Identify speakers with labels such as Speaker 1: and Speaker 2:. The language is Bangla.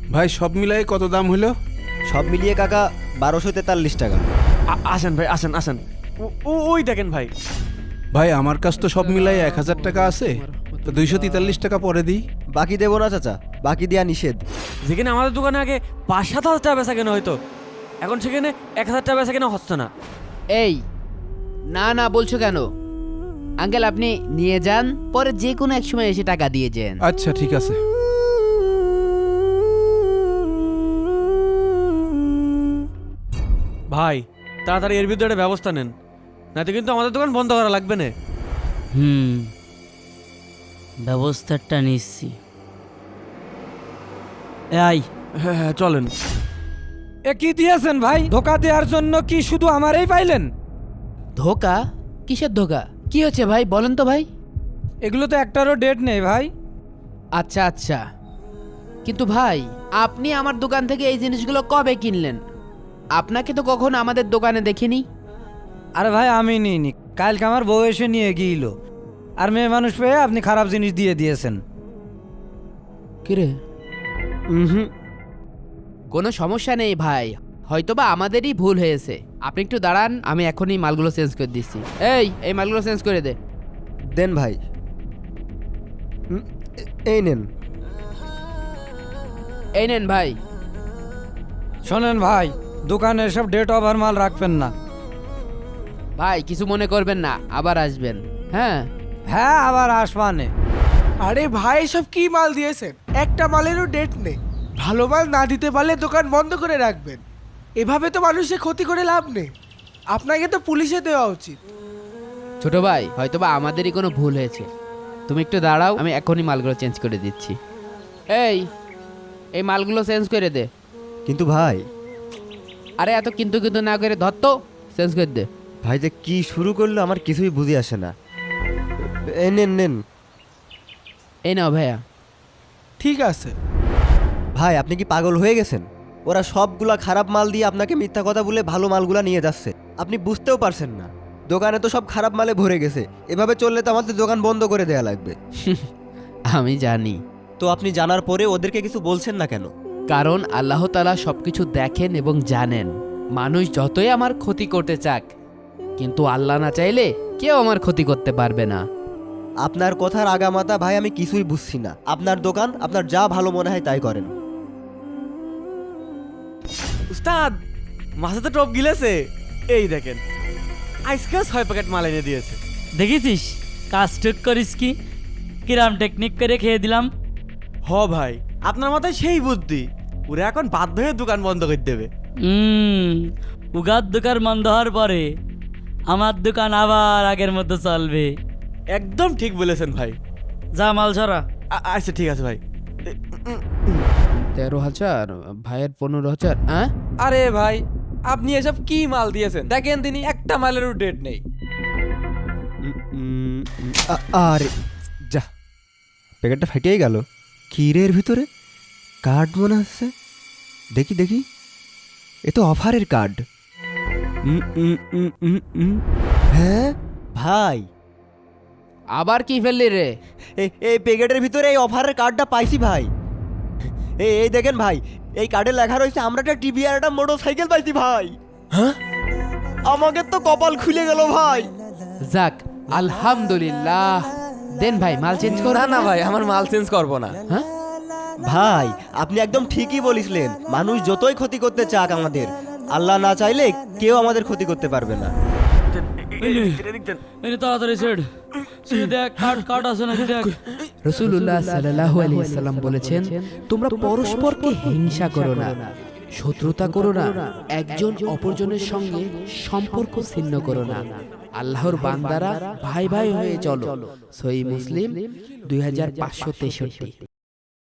Speaker 1: ভাই সব মিলাই কত দাম হলো?
Speaker 2: সব মিলিয়ে কাকা 1243 টাকা।
Speaker 3: আসেন ভাই, আসেন আসেন। ওই দেখেন ভাই।
Speaker 1: ভাই আমার কাছ তো সব মিলাই 1000 টাকা আছে, তো 243 টাকা পরে দিই।
Speaker 2: বাকি দেবো না চাচা, বাকি দেয়া নিষেধ।
Speaker 3: যেখানে আমাদের দোকানে আগে 5-7 হাজার টাকা বেচা কেনা হয়তো, এখন সেখানে 1,000 টাকা বেচা কেনা হচ্ছে না।
Speaker 4: এই না না বলছো কেন আঙ্কেল? আপনি নিয়ে যান, পরে যে কোনো এক সময় এসে টাকা দিয়ে যান।
Speaker 1: আচ্ছা ঠিক আছে।
Speaker 3: ভাই তাড়াতাড়ি এর বিরুদ্ধে একটা ব্যবস্থা নেন, নাতে কিন্তু আমাদের দোকান বন্ধ করা লাগবে না।
Speaker 5: ব্যবস্থাটা নিচ্ছি। এই
Speaker 3: হ্যাঁ হ্যাঁ চলেন।
Speaker 6: এ কি দিয়েছেন ভাই? ধোকা দেওয়ার জন্য কি শুধু আমারই পাইলেন?
Speaker 4: ধোকা? কিসের ধোকা? কি হচ্ছে ভাই বলেন তো ভাই।
Speaker 6: এগুলো তো একটারও ডেট নেই ভাই।
Speaker 4: আচ্ছা আচ্ছা, কিন্তু ভাই আপনি আমার দোকান থেকে এই জিনিসগুলো কবে কিনলেন? আপনাকে তো কখনো আমাদের দোকানে দেখিনি।
Speaker 6: আরে ভাই আমি নিইনি, কালকে আমার বউ এসে নিয়ে গিয়েছিল, আর মেয়ে মানুষ পেয়ে আপনি খারাপ জিনিস দিয়ে দিয়েছেন।
Speaker 4: কিরে? কোনো সমস্যা নেই ভাই, হয়তোবা আমাদেরই ভুল হয়েছে। আপনি একটু দাঁড়ান, আমি এখনই মালগুলো চেঞ্জ করে দিচ্ছি। এই মালগুলো চেঞ্জ করে দে।
Speaker 2: দেন ভাই। এই নেন।
Speaker 4: এই নেন ভাই।
Speaker 6: শোনেন ভাই, দোকানে সব ডেট ওভার মাল রাখবেন না।
Speaker 4: ভাই কিছু মনে করবেন না, আবার আসবেন। হ্যাঁ
Speaker 6: হ্যাঁ আবার আসবানে।
Speaker 7: আরে ভাই সব কি মাল দিয়েছেন? একটা মালেরও ডেট নেই। ভালো মাল না দিতে পারলে দোকান বন্ধ করে রাখবেন। এভাবে তো মানুষের ক্ষতি করে লাভ নেই। আপনাকে তো পুলিশে দেওয়া উচিত।
Speaker 4: ছোট ভাই, হয়তোবা আমাদেরই কোনো ভুল হয়েছে। তুমি একটু দাঁড়াও, আমি এখনই মালগুলো চেঞ্জ করে দিচ্ছি। এই মালগুলো চেঞ্জ করে দে।
Speaker 2: কিন্তু ভাই,
Speaker 4: আরে এত কিন্তু কিন্তু না করে ধর তো, চেঞ্জ করে দে।
Speaker 2: ভাই যে কি শুরু করলো আমার কিছুই বুঝে আসে না। এই নেন নেন।
Speaker 4: এই নাও ভাইয়া।
Speaker 7: ঠিক আছে।
Speaker 2: ভাই আপনি কি পাগল হয়ে গেছেন? ওরা সবগুলা খারাপ মাল দিয়ে আপনাকে মিথ্যা কথা বলে ভালো মালগুলা নিয়ে যাচ্ছে। আপনি বুঝতেও পারছেন না, দোকানে তো সব খারাপ মালে ভরে গেছে। এভাবে চললে তো আমাদের দোকান বন্ধ করে দেয়া লাগবে।
Speaker 4: আমি জানি,
Speaker 2: তো আপনি জানার পরে ওদেরকে কিছু বলছেন না কেন?
Speaker 4: কারণ আল্লাহ তাআলা সবকিছু দেখেন এবং জানেন। মানুষ যতই আমার ক্ষতি করতে চাক, কিন্তু আল্লাহ না চাইলে কেউ আমার ক্ষতি করতে পারবে না।
Speaker 2: আপনার কথার আগামাতা ভাই আমি কিছুই বুঝছি না। আপনার দোকান, আপনার যা ভালো মনে হয় তাই করেন।
Speaker 3: উস্তাদ, মাছে তো টপ গিলেছে। এই দেখেন, আজকেও 6 প্যাকেট মাল এনে দিয়েছে।
Speaker 5: দেখেছিস কাজ ঠিক করিস কি? কিরাম টেকনিক করে খেয়ে দিলাম।
Speaker 3: হ ভাই, আপনার মাথায় সেই বুদ্ধি, ওরা এখন বাধ্য হয়ে দোকান বন্ধ করে দেবে।
Speaker 5: উগার দোকান বন্ধ হওয়ার পরে আমার দোকান আবার আগের মতো চলবে।
Speaker 3: একদম ঠিক বলেছেন ভাই।
Speaker 5: যা মাল ছড়া।
Speaker 3: আচ্ছা ঠিক আছে ভাই।
Speaker 4: 13,000 ভাইয়ের 15,000। হ্যাঁ
Speaker 6: আরে ভাই আপনি এসব কি মাল দিয়েছেন? দেখেন তিনি একটা মালেরও ডেট নেই।
Speaker 2: আর যা, প্যাকেটটা ফাটিয়েই গেল। কি রে এর ভিতরে? কার্ড মনে হচ্ছে। দেখি দেখি, এ তো অফারের কার্ড। হ্যাঁ ভাই,
Speaker 4: আবার কি ফেললি রে?
Speaker 2: এই প্যাকেটের ভিতরে এই অফারের কার্ডটা পাইছি ভাই। এই দেখেন ভাই, এই কার্ডে লেখা রয়েছে আমরা একটা টিভি আর একটা মোটর সাইকেল পাইছি ভাই। হ্যাঁ, আমাকে তো কপাল খুলে গেল ভাই।
Speaker 4: যাক আলহামদুলিল্লাহ। দেন ভাই মাল চেঞ্জ কর।
Speaker 3: না না ভাই, আমার মাল চেঞ্জ করবো না।
Speaker 4: হ্যাঁ
Speaker 2: ভাই আপনি একদম ঠিকই বলিসলেন। মানুষ যতই ক্ষতি করতে চাক আমাদের, আল্লাহ না চাইলে কেউ আমাদের ক্ষতি করতে পারবে না।
Speaker 5: এই তাড়াতাড়ি সেট দেখ, কাট আছে নাকি দেখ।
Speaker 4: রাসূলুল্লাহ সাল্লাল্লাহু আলাইহি সাল্লাম বলেছেন, তোমরা পরস্পরকে হিংসা করো না, শত্রুতা করো না, একজন অপরজনের সঙ্গে সম্পর্ক ছিন্ন করো না। আল্লাহর বান্দারা ভাই ভাই হয়ে চলো। সহিহ মুসলিম 2563।